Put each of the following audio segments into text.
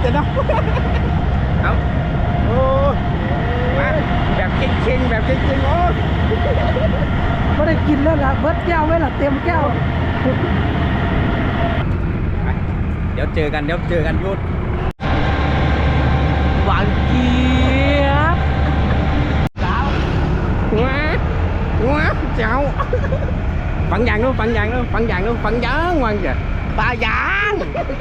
จะเนาะเอาโอ้มาแบบเก่งๆแบบเก่งๆโอ้ไม่ได้กินแล้วล่ะเบิดแก้วไว้ล่ะเต็มแก้วเดี๋ยวเจอกันยุดหวานเจี๊ยบว้าเจ้าฟังอย่างนู้นฟังยางวางจ้ะปลายาง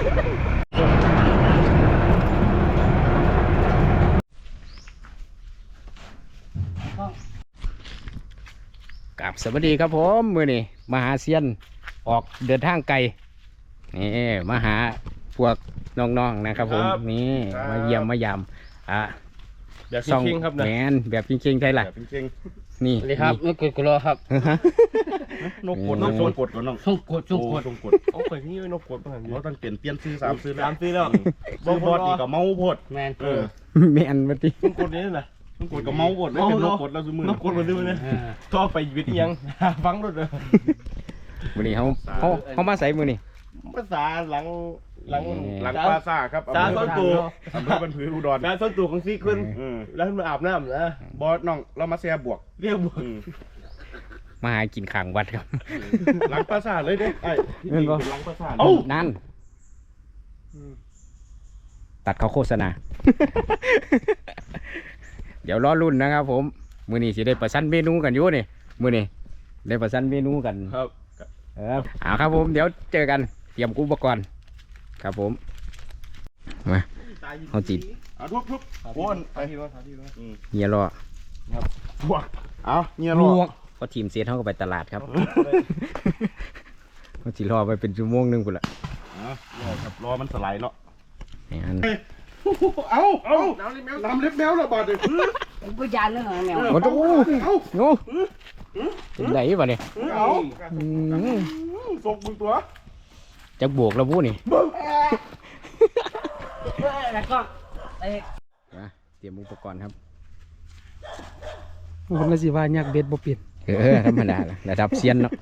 กับสวัสดีครับผมมือนี่มาหาเซียนออกเดินทางไกลนี่มาหาพวกน้องๆนะครับผมนี่มาเยี่ยมมายามแบบจริงครับนะแมนแบบจริงๆใช่หรอแบบจริงนี่เลยครับนกกดกรอครับนกกดก่อนน้องช่องกดโอ้ยนี่นกกดบ้างเราต้องเปลี่ยนซื้อ3 ซื้อแล้วซื้อบอดอีกกับเมาพดแมนแมนมาดินกกดนี่นะนกกดกับเมาพดไม่เป็นนกกดแล้วซื้อมือนกกดมาซื้อเนี่ยต่อไปวิทย์ยังฟังรถเลยมือนี่เขามาใส่มือนี่ภาษาหลังปลาซ่าครับจ้าส้นตูอำเภอบันผืออุดรจ้าส้นตูของซีขึ้นแล้วขึ้นมาอาบน้ำนะบอสน้องเรามาแซ่บวกเรียกบวกมาหากินข่างวัดครับหลังปราสาทเลยเด้ไอ้เป็นหลังปราสาทนั่นตัดเขาโฆษณาเดี๋ยวรอรุ่นนะครับผมมือนี้สิได้ประชันเมนูกันอยู่นี่มือนี้ได้ประชันเมนูกันครับเอาครับผมเดี๋ยวเจอกันเตรียมอุปกรณ์ครับผมมาเอาจิตทุบวนไปเงียรอครับบวกเอาเงียรอก็ทีมเซตเขาก็ไปตลาดครับเขาจีรอไปเป็นชั่วโมงนึงกูละครับรอมันสไลด์เนาะเอาน้ำเล็บแมวระบาดเลยกูยานเรื่องอะไรแมวโอ้โหโง่ไหนวะเนี่ยส่งมึงตัวจะบวกแล้วพูนี่แล้วก็เตรียมอุปกรณ์ครับคนละสิว่าอยากเบ็ดบ่เปลี่ยนธรรมดาระดับเซียนเนาะ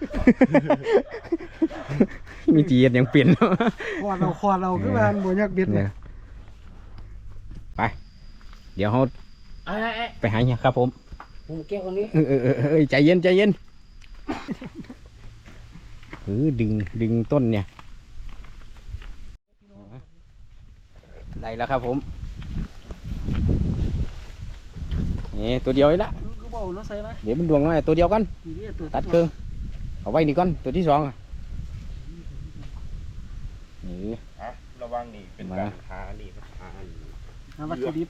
มีจีนยังเปลี่ยนเนาะคอเราคือว่าบ่อยากเบ็ดเนี่ยไปเดี๋ยวเขาไปหาเนี่ยครับผมแก้วคนนี้ใจเย็นดึงต้นเนี่ยได้แล้วครับผมนี่ตัวเดียวเลยละเดี๋ยวมันดวงมาตัวเดียวกันตัดเครื่องเอาไว้นี่ก่อนตัวที่สองนี่ระวังนี่เป็นการหานี่หาวัตถุดิบ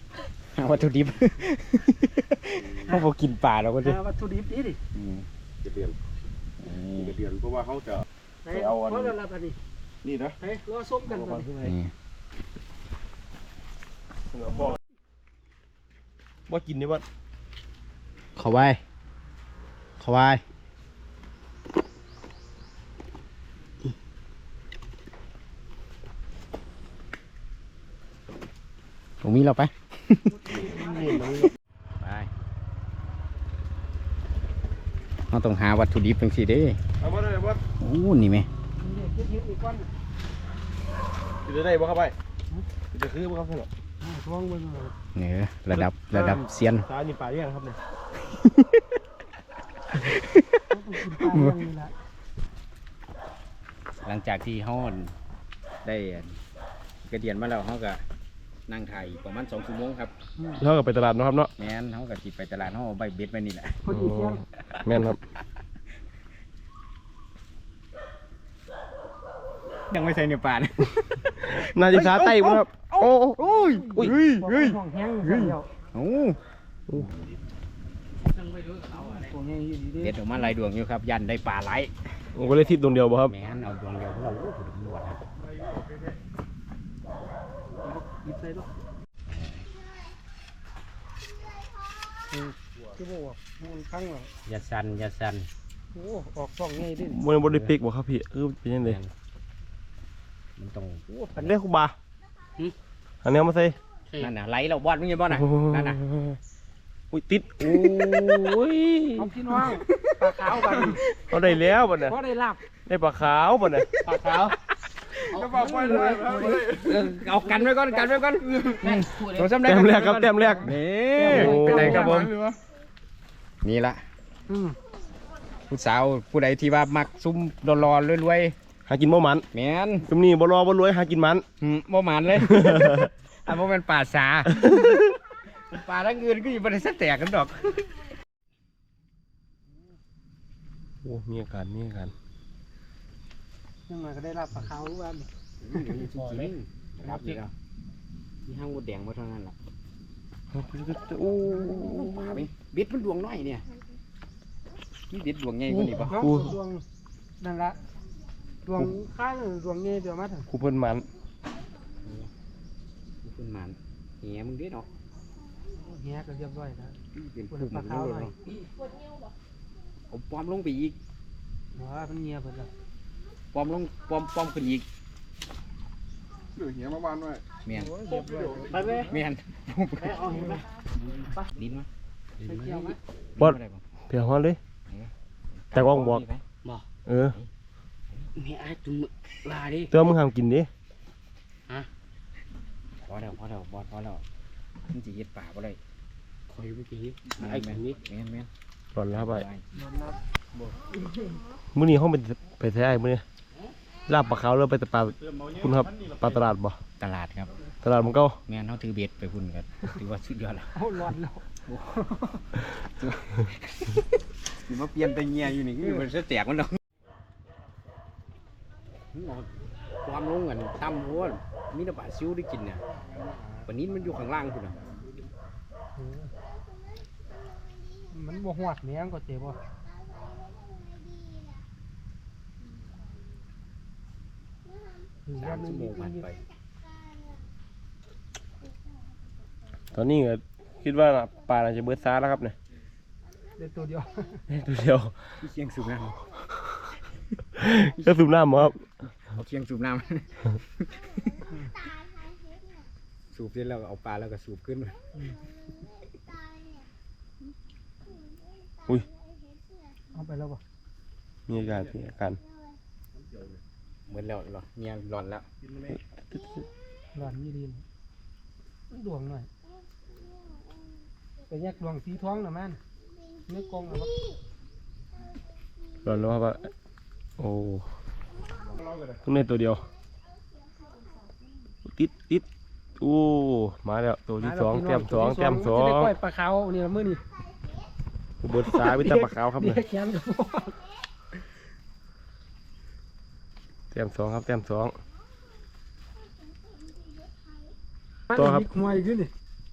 เขาบอกกินป่าเราก็จะวัตถุดิบนี่ดิจะเดือนเพราะว่าเขาจะเอาอันนี่นะรอส้มกันก่อนว่ากินนี่ว่าเข้าไว้ตรงนี้เราไปเราต้องหาวัตถุดิบเป็นสิเด้โอ้นี่ไหมจะได้บ่เข้าไปจะคือบ่เข้าไปหรอเนี่ยระดับเซียนตานี่ป่ายังครับเนี่ยหลังจากที่เขาได้กระเดียนมาแล้วเขาก็นั่งถ่ายประมาณ2 ชั่วโมงครับเขาก็ไปตลาดนะครับเนาะแม่นเขาก็จิไปตลาดเขาใบเบ็ดไปนี่แหละแม่นครับยังไม่ใส่เนื้อปลานาฬิกาไต้ครับโอ้ยเด็ดออกมาลายดวงอยู่ครับยันได้ปลาไหลผมก็เลยทิศดวงเดียวบ่ครับแม่นเอาดวงเดียวเราถูกตำรวจครับที่บอกมันพังเหรออย่าสั่นโอ้ออกช่องไงดิมันบริปิกบ่ครับพี่เป็นยังไงมันต้องอันนี้คุบาอันนี้มาใส่นั่นน่ะไหลเราบอดมึงยังบอดน่ะนั่นน่ะอุ้ยติดโอ้ยเอาพี่น้องปลาขาวบ้านเอาได้แล้วบ้านเนี่ยเพราะได้ลาบได้ปลาขาวบ้านเนี่ยปลาขาวเอาจะบอกไปเลยเอากันไว้ก่อนตัวซ้ำแต้มแรกครับแต้มแรกนี่เป็นไรครับผมนี่ละผู้สาวผู้ใดที่ว่ามักซุ่มรอรวยหากินบ่มันๆแมนซุมนี้บ่รอบ่รวยหากินมันบ่หมานเลย อันบ่เป็นป่าสาป่าทั้งอื่นก็อยู่บริษัทแตกกันดอกโอ้มีอาการยังไงก็ได้รับปลาขาวรู้ว่าครับนี่แล้วที่ห้างมดแดงมาเท่านั้นล่ะโอ้ป่าไหมบิดมันดวงน้อยเนี่ยนี่บิดดวงใหญ่กว่านี้ปะดวงนั่นละดวงข้างดวงเงี้ยเดี๋ยวมาถึงครูเพิ่นมันขึ้นมาเหี้ยมึงเด็ดเนาะเงี้ยก็เรียบร้อยแล้วเป็นปวดปุ่มปลาขาวหน่อยผมปลอมลงไปอีกว่ามันเงี้ยเพิ่นละปลอมลงปลอมขึ้นอีกเดี๋ยวเหี้ยมาบ้านไว้เมียนเรียบร้อยไปเลยเมียนเอาเห็นไหมลิ้นวะไปเกี่ยวไหมบอดเพียงฮอนเลยแต่ว่องบอกเออมีไอ้จุ่มลาดิเติมมึงห้ามกินดิพอแล้วบอสพอแล้วมันจะเย็ดป่าบ่ได้คอยเมื่อกี้ไอ้แมนแมนหล่อนแล้วไปนอนนับมื้อนี้ห้องไปแท้ไอ้มื้อนี้ลาบปลาขาวเลยไปแต่ปลาคุณครับปลาตลาดบ่ตลาดครับตลาดมันเก่าแมนเขาถือเบ็ดไปพุ่นกันถือว่าสุดยอดแล้วเอาร้อนแล้วนี่มาเปลี่ยนไปเงียอยู่นี่คือมันจะแตกมันดอกความลงกันต่ำโว้ยมีแต่ปลาซิวได้กินเนี่ยปลานี้มันอยู่ข้างล่างคุณอ่ะมันบ่หวดเนี้ยก็เจ็บบ่ 3 ชั่วโมงผ่านไปตอนนี้ก็คิดว่าปลาน่าจะเบิดซาแล้วครับเนี่ยได้ตัวเดียวตัวเดียวพี่เชียงสูบน้ก็สูบน้ำครับำเอาเชียงสูบน้ำ สูบเสร็จแล้วก็เอาปลาแล้วก็สูบขึ้นมาเอาไปแล้วบ่มีอาการเหมือนแล้วหรอเงียร้อนแล้วร้อนยี่ดีมันดวงหน่อยไปแยกดวงสีท้องน่ะมันเนื้อกองน่ะบ่หล่อนแล้วครับโอ้ต้องเล่นตัวเดียวติดโอ้มาแล้วตัวที่สองแต้มสองจะได้ก้อยปลาขาวนี่ละมื้อนี้เบิดซาวิตาปลาขาวครับเด็เนี่ยกแขนกับพ่อแต้มสองครับแต้มสองมันตัวครับมีขโมยขึ้นนี่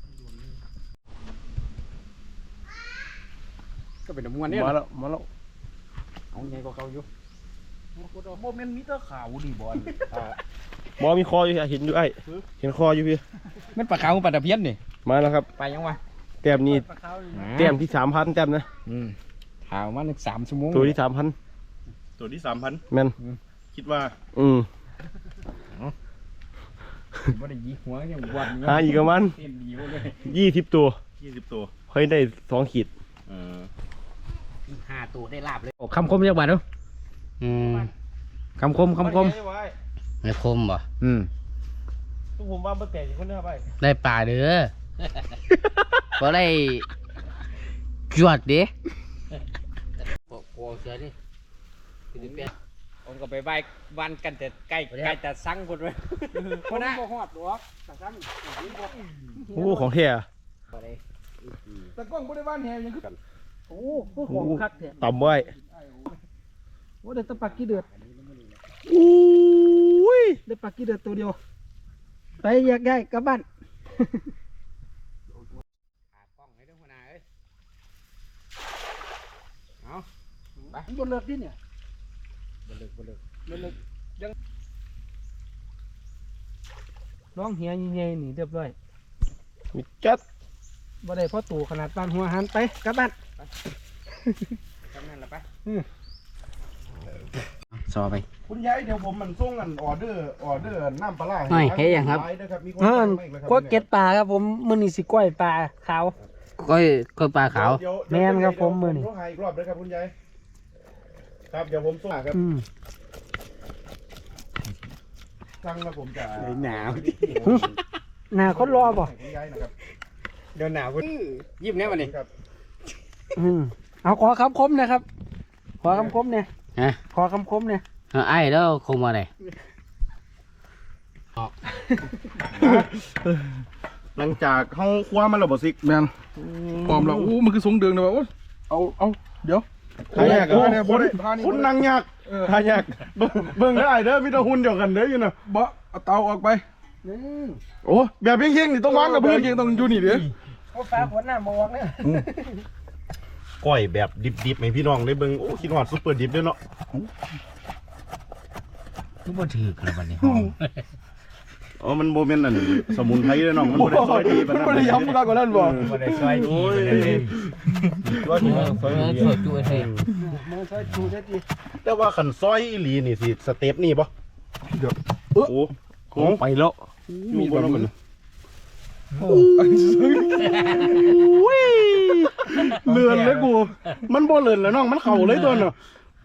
ก็เป็นน้ำมันเนี่ยมาแล้วเอาไงก็เขาอยู่โมเมนต์มิเตอร์ขาวดิบอลบอมีคออยู่เห็นอยู่ไอ้เห็นคออยู่พี่มันปลาขาวปลาตะเพียนนี่มาแล้วครับไปยังวะแต้มนี้ปลาขาวนี่แต้มที่3,000แต้มนะถามว่า3 ชั่วโมงตัวที่3,000 ตัวที่ 3,000 แม่นคิดว่าว่าได้ยีหัวยังวัดหาอีกประมาณเต้นดีเลย 20 ตัว 20 ตัวเฮ้ยได้2 ขีด 5 ตัวได้ลาบเลยคำคมจักบาทเนาะคำคมไม่คมบ่ ทุกผมว่าบ่แตกอีกคนเด้อไปได้ป่าเด้อ บ่ได้จวดเด้โอ้เสือดิผมก็ไปใบวันกันแต่ใกล้แต่สั่งคนเลยคนบ่ฮอดหรอกแต่ซ้ำโอ้ของแท้อะแต่กล้องบ่ได้บ้านแฮยังคือโอ้คือของคักแท้ต่ำไว้โอ้ได้แตะปักกี้เดือดอุ้ยได้ปักกี้เดือดตัวเดียวไปแยกย้ายกลับบ้านกล้องให้ด้วยหัวหน้าเอ้ยเอาไปบ่เลิกดิเนี่ยบนเลิกบ่เลิกยังร้องเฮียใหญ่ๆนี่เรียบร้อยมีจัดบ่ได้พอตู่ขนาดปานหัวหันไปกลับบ้านทำนั่นละไปซอไปคุณยายเดี๋ยวผมมันส่งกันออเดอร์น้ำปลาร้าหน่อยเฮ้ยยังครับก็เก็ตปลาครับผมมื้อนี้สิก้อยปลาขาวก้อยปลาขาวแม่นครับผมมื้อนี้ต้องหาอีกรอบด้วยครับคุณยายครับเดี๋ยวผมส่งครับอืมสั่งแล้วผมจะหนาวหน้าคนรอบ่คุณยายนะครับเดี๋ยวหนาวยิ้มแน่วันนี้ครับเอาขอคำคมนะครับ ขอคำคมเนี่ยฮะขอคำคมเนี่ยไอ้แล้วคงมาไหนหลังจากเขาคว้ามันแล้วบ่ซิกแมนพร้อมแล้วอู้มันคือทรงเดืองเลยว่ะโอ้ยเอาเดี๋ยวหายากโอ้เนี่ยบ่บ่ได้ได้พานี่คุณนั่งยากหายากเบิ่งได้เด้อมีแต่หุ่นเดียวกันเด้ออยู่น่ะบ่เอาเตาออกไปโอ้แบบเพียงๆนี่ต้องวางกับพื้นเพียงต้องอยู่นี่เด้อโอ้ฟ้าฝนหน้ามองเนี่ยก้อยแบบดิบๆให้พี่น้องได้เบิ่งโอ้คิดฮอดซุปเปอร์ดิบเด้อเนาะทุกบ่ถือกันวันนี้อ๋อมันบ่แม่นอันสมุนไพรเด้อน้องมันบ่ได้ซอยดีปานมันนั้นบ่ได้ย้ำมากกว่านั้นบ่บ่ได้ซอยดีเลยว่าดีซอยดีช่วยช่วยให้มันใช้ชูได้ดีแต่ว่าคันซอยอีหลีนี่สิสเต็ปนี่บ่เดี๋ยวโอ้โหไปแล้วมีบ่เนาะมันเลื่อนเลยกูมันบ่เลื่อนแล้วน้องมันเข้าเลยตัวเนาะ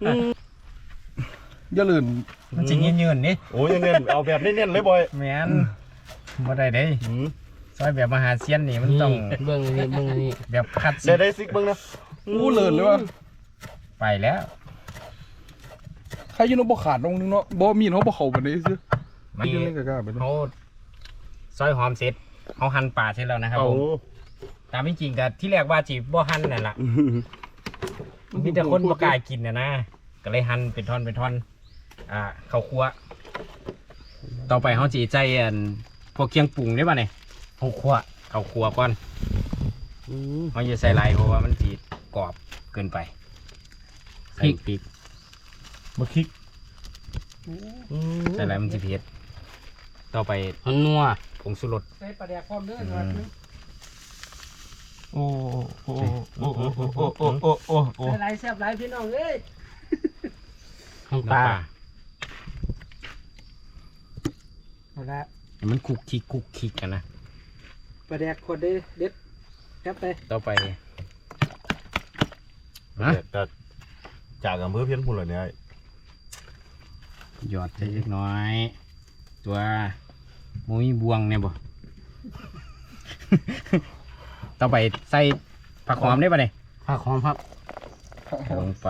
อย่าลื่นมันสิยืนๆนี่โอ้ยเน้นเอาแบบเน้นๆเลยบอยแม่นบ่ได้เด้ซอยแบบมหาเซียนนี่มันต้องเบิ่งนี่เบิ่งนี่แบบคัดได้ซิกเบิ่งนะอู้เลื่นเลยว่ะไปแล้วใครอยืนบ่ขาดลงนึงเนาะบ่มีนเขาบ่เข้าปานนี้ซื่อไม่ยืนเล่นกะกะไปเนาะเขาซอยหอมเสร็จเขาหั่นปลาเสร็จแล้วนะครับเอาผมตามที่จริงก็ที่แรกว่าจีบ่หั่นนั่นล่ะมีแต่คนบ่กล้ากินนะก็เลยหั่นเป็นท่อนเป็นท่อนข้าวคั่วต่อไปเขาจีใจพวกเคียงปรุงได้ป่ะเนี่ยข้าวคั่วก่อนเขาจะใส่ลายเพราะว่ามันจีกรอบเกินไปใส่พริกมาคลิกใส่ลายมันจะเผ็ดต่อไปนัวผงชูรสใส่ปลาแดกพร้อมเด้อโอ้โอ้โอ้โอ้โอ้โอ้โอ้โอ้โอ้โอ้หลายแซ่บหลายพี่น้องเอ้ยน้ำปลาเอาละมันคุกคิกกันนะปลาแดกขวดเด้เด็ดแซ่บไปต่อไปแต่จากอำเภอเพียนพุ่นเลยเนี่ยหยอดใส่เล็กน้อย ตัวมุ้ยบวงเนี่ยบ่ ต่อไปใส่ผักหอมได้ป่ะเนี่ยผักหอมครับลงไป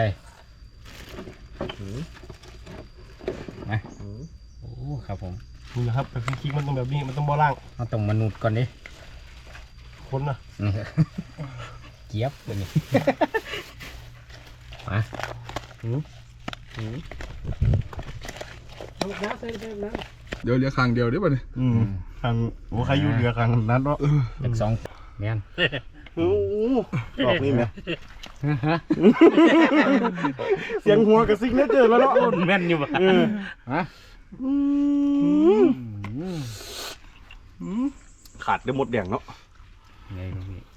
มาโอ้ครับผมนี่นะครับแต่คลิกมันต้องแบบนี้มันต้องบ่ล่างเราต้องมนุษย์ก่อนดิคนนะเกี๊ยบเลยนี่ มาน้ำใส่ไปน้ำเดี๋ยวเหลือข้างเดียวเดี๋ยวบัดนี้ทางโอ้ใครอยู่เรือครั้งนั้นเนาะเป็นสองแม่นโอ้ดอกนี่แม่เสียงหัวกับซิกเนเจอร์แล้วเนาะแม่นอยู่ป่ะฮะขาดได้หมดแดงเนาะไงลูกพี่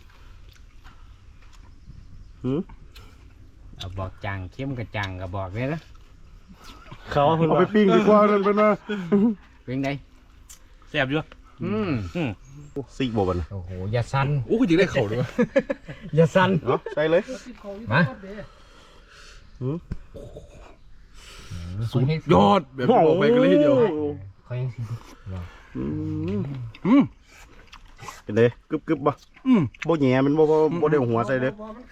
หือเอาบอกจังเข้มกับจังกับบอกเลยนะเขาเพิ่นเอาว่าไปปิ้งดีกว่านั่นเป็นว่าเป็นไงแซ่บอยู่ซิกบ่บันโอ้โหอย่าสั่นโอ้คือจิได้เข้าด้วยวะอย่าสั่นเนาะใส่เลยมาสุดยอดแบบที่บอกไปกันเลยทีเดียวเขายังสิเป็นเลยกึบบ่บ่แหย่มันบ่ได้หัวใส่เลย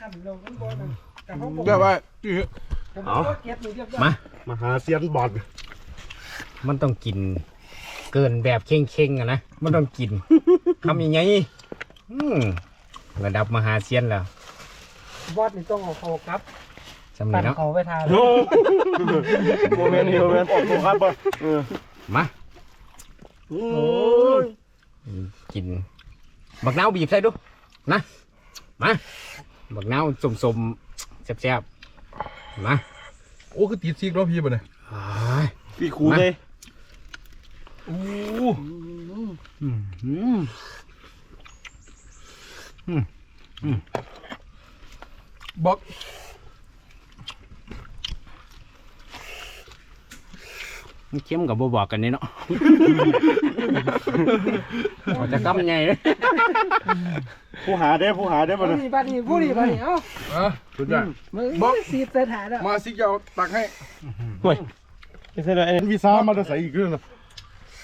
แบบว่าเอามามาหาเซียนบอดมันต้องกิน เกินแบบเข่งๆอะนะมันต้องกินทำยังไงระดับมหาเซียนแล้วบอสนี่ต้องเอาเขาครับจำเลยเนาะเขาไปทานโมเมนต์นี่โมเมนต์ออกตัวครับบ่มาโอ้ยกินบักนาวบีบใส่ดูนะมาบักนาวสมๆแซ่บๆมาโอ้คือติดซีกรอบพี่ป่ะเนี่ยพี่ครูเลยโอ้ บอกมันเข้มกับบอกกันนี่เนาะ จะกำไงเลยผู้หาได้บ่ผู้นะดีบ้านนี้ผู้ดีบ้านนี้เอ้าสุดยอดบอกสีใส่ถ่ายแล้วมาซิกเอาตักให้ห่วยไม่ใช่เลยไอ้วีซ่ามาจะใส่อีกเรื่องนะ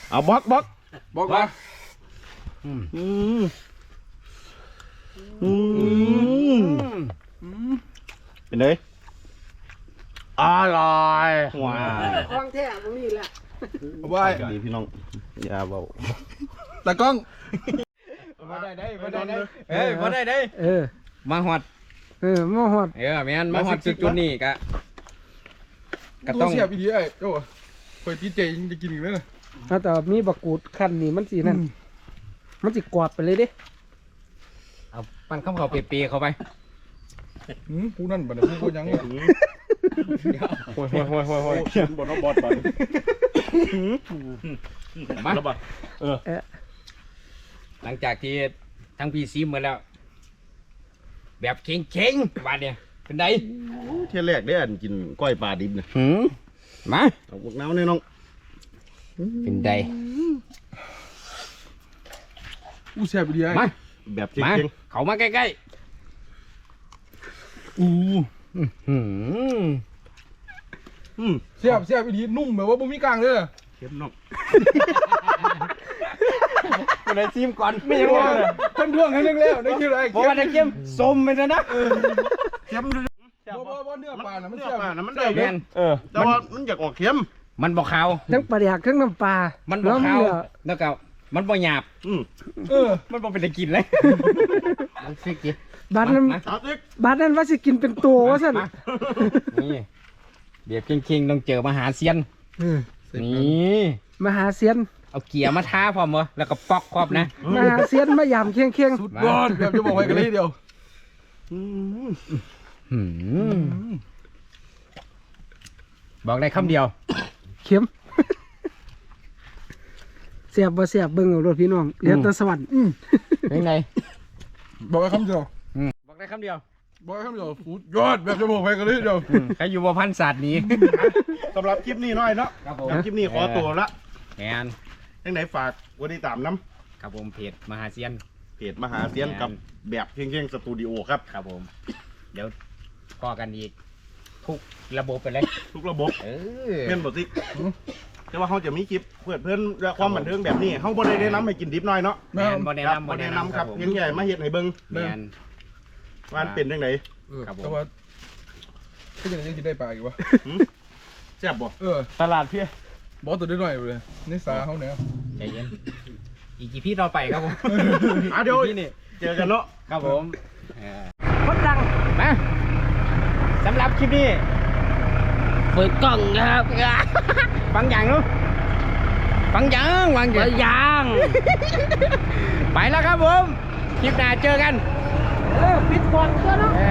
เอาบล็อกบอกว่าอืมอืมเป็นไงอร่อยว้าวของแท้ตรงนี้แหละเอาไว้ดีพี่น้องอย่าเบาตะกล้องมาได้ได้มาได้ได้เอ้ยมาได้ได้เออมาฮอดมาหอดแม่นมาฮอดจุดนี้ก็ตัต้วองเสียบอีดีไอ้โจ้เคยตีเจยังจะกินอีกเลยนะแต่มีบักกูดคันนี่มันสีนั่นมันสิกรอบไปเลยเด้เอาปั้นข้าวเขาเปียๆเข้าไปผู้นั่นบัดนี้ผู้ยังโอ้ยบนบอดบอดมาแล้วบอดหลังจากที่ทั้งพี่ซีมาแล้ว แบบเข่งๆวันเนี่ยเป็นไงเที่ยแรกได้อันกินก้อยปลาดิบนะมาเอาพวกน้ำเนี่ยน้องเป็นไงอู้เสียบอีดีไอ้มาแบบมาเก่งเขามาใกล้อู้ๆหืมเสียบอีดีนุ่มแบบว่าบ่มีกลางเลยอะเข้มน้องเป็นไงซีมก่อนไม่ไม่ยังรู้ไงว่าเพิ่นท่วงให้เรื่องแล้วได้คิวอะไรบอกว่าจะเข้มส้มไปแล้วนะเข้มดูบ่เนื้อปลาน่ะมันเนื้อเสียบปลานะมันได้แม่นแต่ว่ามันอยากออกเข้มมันบอกขาวทั้งปลาแดกทั้งน้ำปลามันบแล้อกวมันขาวเหลือแล้วก็มันบ่หยาบ มันบ่เป็นตะกินเลยมันฟิกดิบาดนั้นเอาติ๊กบาดนั้นว่าสิกินเป็นตัวว่าสั่นมานี่เบียบเข่งๆต้องเจอมหาเซียน นี่มหาเซียนเอาเกียร์มาท้าพร้อมเหรอแล้วก็ปอกครอบนะมหาเซียนมายามเคียงเคียงสุดยอดแบบจะบอกไว้กันเลยทีเดียวหืมบอกได้คำเดียวเข็มเสียบบ่เสียบเบิ่งเอารถพี่น้องเหลือแต่สวรรค์เป็นไงบอกไว้คำเดียวบอกได้คำเดียวบอกไว้คำเดียวสุดยอดแบบจะบอกไว้กันเลยทีเดียวใครอยู่บ่พันศาสตร์นี้สำหรับคลิปนี้หน่อยเนาะครับผมคลิปนี้ขอตัวละแมนยังไหนฝากวันที่ตามน้ครับผมเพจมหาเซียนำเพจมหาเซียนกับแบบเพ่งๆสตูดิโอครับครับผม เดี๋ยวพอกันอีกทุกระบบไปเลยทุกระบบเออเม่นบทสิแต่ว่าเขาจะมีคลิปเพื่อนความบันเทิงแบบนี้เขาบ่ได้แนะนำให้กินดิบหน่อยเนาะแมนบ่แนะครับนำบ่บ่แนะแนะนำนำคครัรับบผมเพียงแค่มาเห็ดให้เบิ่งแมนว่ามันเป็นจังไดครับผมแต่ว่าก็ยังจะได้ปลาอีกวะแซ่บบ่ตลาดเพี่ยบอกตัวได้หน่อยเลยนี่สาเขาเนี่ยใจเย็น อีกกี่พี่ต่อไปครับผมเดี๋ยวพี่นี่เจอกันเนาะครับผมเออคนดังมาสำหรับคลิปนี้เปิดกล้องครับฟังอย่างเนู้ฟังอย่างวางอย่างยางไปแล้วครับผม คลิปหน้าเจอกันปิดก่อนก็เนาะเอ